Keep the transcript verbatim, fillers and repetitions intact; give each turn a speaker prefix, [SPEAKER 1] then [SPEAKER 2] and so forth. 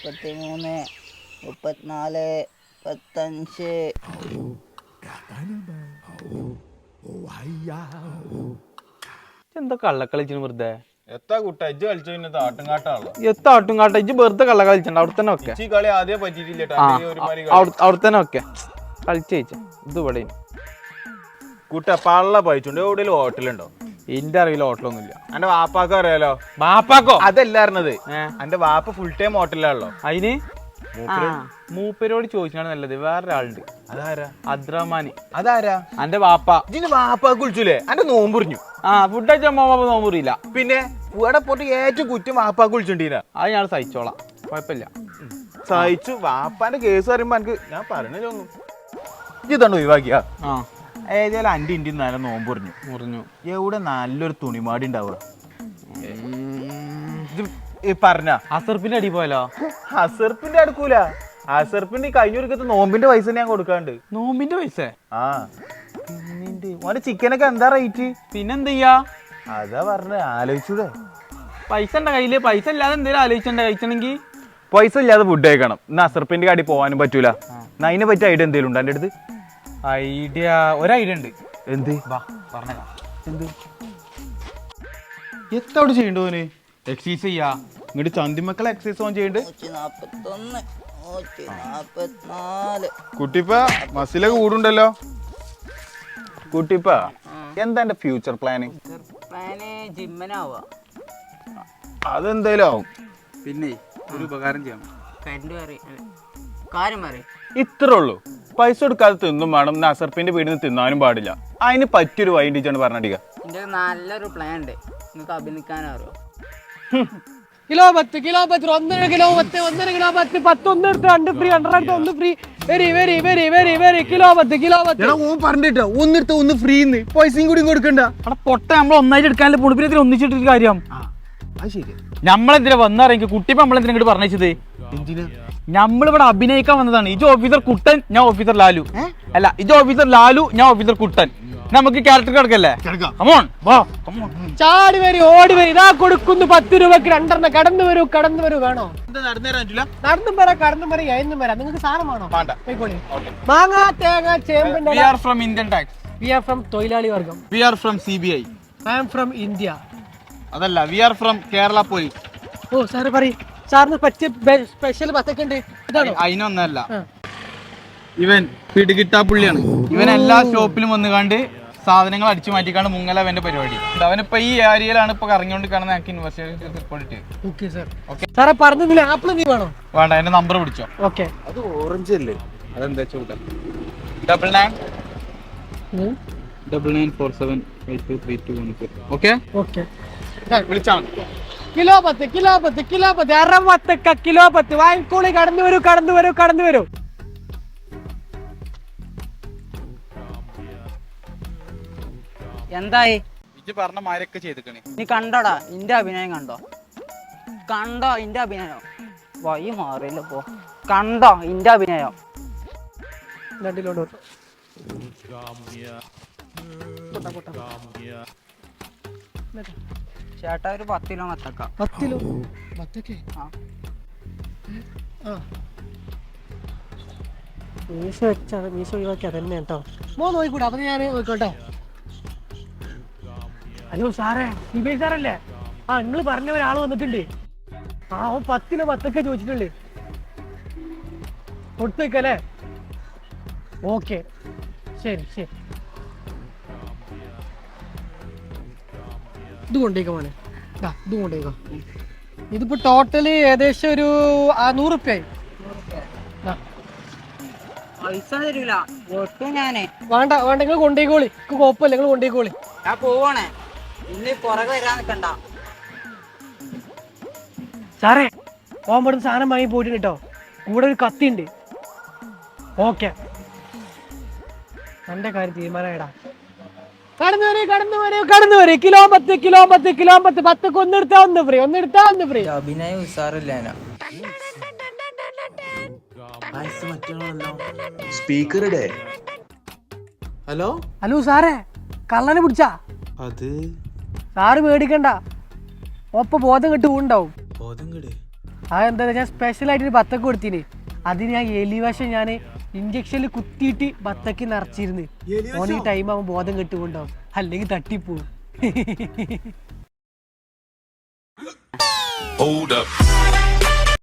[SPEAKER 1] മുപ്പത്തിമൂന്ന് മുപ്പത്തിനാല് മുപ്പത്തഞ്ച്
[SPEAKER 2] എന്താ കള്ളക്കളിച്ചു വെറുതെ
[SPEAKER 3] എത്താ കുട്ട ഇജ്ജ് കളിച്ചു പിന്നെ ആട്ടും കാട്ടാണല്ലോ
[SPEAKER 2] എത്ത ആട്ടും കാട്ട ഇജ്ജ് വെറുതെ കള്ള കളിച്ചണ്ട അവിടെ തന്നെ ഒക്കെ
[SPEAKER 3] ഈ കളി ആദ്യം പറ്റിയിട്ടില്ല
[SPEAKER 2] അവിടെ തന്നെ ഒക്കെ കളിച്ചു കഴിച്ച ഇത് ഇവിടെ
[SPEAKER 3] കുട്ട പള്ള പഴിച്ചുണ്ട് എവിടെയും ഹോട്ടലുണ്ടോ?
[SPEAKER 2] എന്റെ അറിവിൽ ഹോട്ടലൊന്നുമില്ല.
[SPEAKER 3] എന്റെ വാപ്പാക്ക് അറിയാലോ.
[SPEAKER 2] വാപ്പാക്കോ?
[SPEAKER 3] അതല്ല അറിഞ്ഞത്, എന്റെ വാപ്പ ഫുൾ ടൈം ഹോട്ടലിലാണല്ലോ.
[SPEAKER 2] അതിന് മൂപ്പരോട് ചോദിച്ചാണ് നല്ലത്. വേറൊരാളുണ്ട്.
[SPEAKER 3] അതാരാ?
[SPEAKER 2] അബ്ദുറഹ്മാൻ.
[SPEAKER 3] അതാരാ?
[SPEAKER 2] എന്റെ വാപ്പ.
[SPEAKER 3] ഇതിന് വാപ്പാക്ക് വിളിച്ചൂലേ? എന്റെ നോമ്പുറിഞ്ഞു.
[SPEAKER 2] ആ ഫുഡ് കഴിച്ചാൽ വാപ്പ നോമ്പുറിയില്ല.
[SPEAKER 3] പിന്നെ ഇവിടെ പോയിട്ട് ഏറ്റവും കുറ്റം വാപ്പാക്ക് വിളിച്ചിട്ടീന.
[SPEAKER 2] അത് ഞാൻ സഹിച്ചോളാം, കുഴപ്പമില്ല.
[SPEAKER 3] സഹിച്ചു. വാപ്പാന്റെ കേസ് പറയുമ്പോ എനിക്ക് ഞാൻ പറഞ്ഞൊന്നും ഇതാണ് ഒഴിവാക്കിയ.
[SPEAKER 2] ആ
[SPEAKER 3] ഏതായാലും അന്റെ ഇന്ത്യ നല്ല നോമ്പുറിഞ്ഞു
[SPEAKER 2] മുറിഞ്ഞു.
[SPEAKER 3] എവിടെ നല്ലൊരു തുണിമാടി ഉണ്ടാവുക പറഞ്ഞ
[SPEAKER 2] അസർപ്പിന്റെ അടി പോയാലോ?
[SPEAKER 3] അസർപ്പിന്റെ അടുക്കൂല. അസർപ്പിന്റെ കഴിഞ്ഞ ഒരുക്കത്ത് നോമ്പിന്റെ പൈസ ഞാൻ കൊടുക്കാണ്ട്.
[SPEAKER 2] നോമ്പിന്റെ പൈസ?
[SPEAKER 3] ആ പിന്നെ ഓന്റെ ചിക്കനൊക്കെ എന്താ റേറ്റ്?
[SPEAKER 2] പിന്നെന്ത് ചെയ്യാ?
[SPEAKER 3] അതാ പറഞ്ഞ ആലോചിച്ചൂടെ.
[SPEAKER 2] പൈസ ഉണ്ട കയ്യില്? പൈസ ഇല്ലാതെ എന്തേലും ആലോചിച്ചണ്ട കഴിച്ചണെങ്കി?
[SPEAKER 3] പൈസ ഇല്ലാതെ ഫുഡ് കഴിക്കണം. ഇന്ന് അസർപ്പിന്റെ കടി പോകാനും പറ്റൂല. അതിനെ പറ്റിയ ഐഡിയ എന്തേലും ഉണ്ടോ എന്റെ അടുത്ത്?
[SPEAKER 2] ഐഡിയ ഒരു ഐഡിയ ഉണ്ട്.
[SPEAKER 3] എന്ത്?
[SPEAKER 2] പറഞ്ഞേക്കാം.
[SPEAKER 3] എന്ത് എത്തവിടെ ചെയ്യണ്ടോന്?
[SPEAKER 2] എക്സസൈസ് ചെയ്യാ.
[SPEAKER 3] ഇങ്ങോട്ട് ചന്തിമക്കളെ എക്സസൈസ് ഓൺ ചെയ്യണ്ട്.
[SPEAKER 1] നൂറ്റി നാപ്പത്തൊന്ന് നൂറ്റി നാപ്പത്തിനാല്
[SPEAKER 3] കുട്ടിപ്പ മസിലൊക്കെ കൂടുണ്ടല്ലോ. കുട്ടിപ്പ എന്താ എന്റെ ഫ്യൂച്ചർ പ്ലാനിങ്?
[SPEAKER 1] പ്ലാന് ജിമ്മനാവാ.
[SPEAKER 3] അതെന്തായാലും ആവും.
[SPEAKER 2] പിന്നെ ഒരു ഉപകാരം ചെയ്യണം.
[SPEAKER 1] കരണ്ട് മാറി കാര്യം മാറി
[SPEAKER 3] ഇത്രേ ഉള്ളൂ. പൈസ കൊടുക്കാതെ തിന്നും വേണം. അസർപ്പിന്റെ വീട്ടിൽ നിന്ന് തിന്നാനും പാടില്ല. അതിന് പറ്റിയൊരു വൈകിട്ടാണ് പറഞ്ഞിരിക്കുക.
[SPEAKER 1] എന്റെ നല്ലൊരു പ്ലാൻ ഉണ്ട്. നിങ്ങൾക്ക് അഭിനയിക്കാനറിയോ?
[SPEAKER 4] കിലോ പത്ത് കിലോ പത്ത് ഒന്നര കിലോ പത്ത് ഒന്നര കിലോ പത്ത് പത്ത് ഒന്ന് എടുത്ത് രണ്ട് ഫ്രീ രണ്ടര ഒന്ന് free. Very very very very very kilo പത്ത് കിലോ പത്ത്
[SPEAKER 2] പറഞ്ഞിട്ടോ ഒന്നെടുത്ത ഒന്ന് ഫ്രീ പൈസയും കൂടി കൊടുക്കണ്ട. അവിടെ പൊട്ട നമ്മൾ ഒന്നായിട്ട് എടുക്കാനുള്ള പൊളിപ്പിനത്തിൽ ഒന്നിച്ചിട്ടൊരു കാര്യം. നമ്മളെന്തിനാ വന്നറിയെങ്കിൽ കുട്ടിപ്പോ നമ്മളെന്തിനാ ഇങ്ങോട്ട് പറഞ്ഞത്? നമ്മളിവിടെ അഭിനയിക്കാൻ വന്നതാണ്. ഇജ് ഓഫീസർ കുട്ടൻ, ഞാൻ ഓഫീസർ ലാലു. അല്ല ഇജ് ഓഫീസർ ലാലു, ഞാൻ ഓഫീസർ കുട്ടൻ. നമുക്ക് ക്യാരക്ടർ കിടക്കല്ലേ?
[SPEAKER 4] ചാടി വരി ഓടി വരി ഇതാ കൊടുക്കുന്നു പത്ത് രൂപക്ക് രണ്ടെണ്ണം. കടന്നു വരൂ കടന്നു വരൂ. വേണോ? നടന്നും വരാം കടന്നും വരാം എന്നും വരാം. നിങ്ങൾക്ക് സാധനമാണോ? മാങ്ങ തേങ്ങ ചേമ്പിന്റെ.
[SPEAKER 2] We are from Indian tax.
[SPEAKER 4] We are from തൊഴിലാളി വർഗം.
[SPEAKER 2] We are from C B I.
[SPEAKER 4] I am from India.
[SPEAKER 2] അതല്ല, we are from Kerala Police.
[SPEAKER 4] ഓ സാറ് പറയും. സാറിന് പറ്റിയ സ്പെഷ്യൽ ബത്തൊക്കെ ഉണ്ട്. ഇതാണോ?
[SPEAKER 2] അതിനൊന്നല്ല, ഇവൻ പിടികിട്ടാ പുള്ളിയാണ്. ഇവൻ എല്ലാ ഷോപ്പിലും വന്ന് കണ്ട് സാധനങ്ങൾ അടിച്ചു മാറ്റിക്കാണ്ട് മുങ്ങല അവന്റെ പരിപാടി. അവനിപ്പോ ഈ ഏരിയയിലാണ് ഇപ്പൊ കറങ്ങിക്കൊണ്ട് കാണുന്ന ഞങ്ങൾക്ക് യൂണിവേഴ്സിറ്റി റിപ്പോർട്ട്.
[SPEAKER 4] Okay sir. സാറെ പറഞ്ഞതിൽ ആപ്പിൾ നീ വേണോ?
[SPEAKER 2] വേണ്ട, എന്റെ നമ്പർ പിടിച്ചോ.
[SPEAKER 4] ഓക്കെ.
[SPEAKER 3] അത് ഓറഞ്ച് അല്ലേ?
[SPEAKER 2] അതെന്താ ചോട്ടാ? Double nine double nine four seven eight two three two one four. Okay
[SPEAKER 4] okay
[SPEAKER 2] വിളിച്ചാ മതി.
[SPEAKER 4] കിലോ പത്ത് കിലോ പത്ത് കിലോ പത്ത് അറുപത്തൊക്കെ കിലോ പത്ത് വാങ്ങിക്കോളി. കടന്നു വരൂ കടന്നു വരൂ കടന്നു വരൂ.
[SPEAKER 1] എന്തായി?
[SPEAKER 2] ഇജ്ജ് പറഞ്ഞ മാരൊക്കെ ചെയ്തിക്കണേ.
[SPEAKER 1] നീ കണ്ടോടാ ഇന്റെ അഭിനയം? കണ്ടോ കണ്ടോ ഇന്റെ അഭിനയം? വഴി മാറിയില്ല പോ. കണ്ടോ ഇന്റെ അഭിനയം?
[SPEAKER 4] രണ്ടിലോട്ട്
[SPEAKER 1] ചേട്ടാ ഒരു പത്ത് കിലോ മത്തക്ക.
[SPEAKER 4] പത്തിലോ മത്തക്കേ? മീശ വെച്ചാണ്. മീശ ഒഴിവാക്കി അതന്നെ കേട്ടോ. മോ നോക്കിക്കൂടാ. അപ്പൊ ഞാൻ നോക്കോട്ടെ. ഹലോ സാറേ, സിബിഐ സാറല്ലേ? ആ നിങ്ങൾ പറഞ്ഞ ഒരാൾ വന്നിട്ടുണ്ട്. ആ ഓ പത്തിലോ പത്തൊക്കെ ചോദിച്ചിട്ടുണ്ട്. കൊടുത്തു വെക്കല്ലേ? ഓക്കെ ശരി ശരി. ഇത് കൊണ്ടേക്കോ മോനെ. ഇത് കൊണ്ടേക്കോ. ഇതിപ്പോ ടോട്ടല് ഏകദേശം ഒരു നൂറ് റുപ്യ ആയി.
[SPEAKER 1] പൈസ തരൂല ഒട്ടും. ഞാനേ
[SPEAKER 4] വേണ്ട വേണ്ട നിങ്ങൾ കൊണ്ടേക്കോളി. കുഴപ്പമില്ല, നിങ്ങൾ കൊണ്ടേക്കോളി.
[SPEAKER 1] ഞാൻ പോവാണേ. ഇന്ന് പുറകെ വരാൻ നിൽക്കണ്ട.
[SPEAKER 4] സാറേ ഓമ്പടുന്ന് സാധനം വാങ്ങി പോയിട്ടുണ്ട് കേട്ടോ. കൂടെ ഒരു കത്തി ഉണ്ട്. ഓക്കെ എന്റെ കാര്യം തീരുമാനമായിടാ. കടന്നു വരെ കടന്നു വരെ കടന്നു വരെ. കിലോ പത്ത് കിലോ പത്ത് കിലോ പത്ത് പത്തൊക്കെ ഒന്നെടുത്താ ഒന്ന് ഫ്രീ ഒന്നെടുത്താ ഒന്ന് ഫ്രീ.
[SPEAKER 1] അഭിനയം ഉസാറില്ല.
[SPEAKER 5] സ്പീക്കറുടെ
[SPEAKER 3] ഹലോ
[SPEAKER 4] ഹലോ സാറേ, കള്ളനെ പിടിച്ചാ?
[SPEAKER 3] അത്
[SPEAKER 4] സാറ് പേടിക്കണ്ട. ഒപ്പം ബോധം കെട്ട് ഉണ്ടാവും.
[SPEAKER 3] ബോധം കെട്?
[SPEAKER 4] അതെന്താ ഞാൻ സ്പെഷ്യൽ ആയിട്ട് ബത്തക്ക് കൊടുത്തിന്. അതിന് ഞാൻ എലിവശം ഞാൻ ഇഞ്ചക്ഷനിൽ കുത്തിയിട്ട് ബത്തക്ക് നിറച്ചിരുന്ന്. ഓൻ ഈ ടൈം ആവുമ്പോൾ ബോധം കെട്ടുകൊണ്ടാവും, അല്ലെങ്കിൽ തട്ടിപ്പോവും.
[SPEAKER 5] Hold up.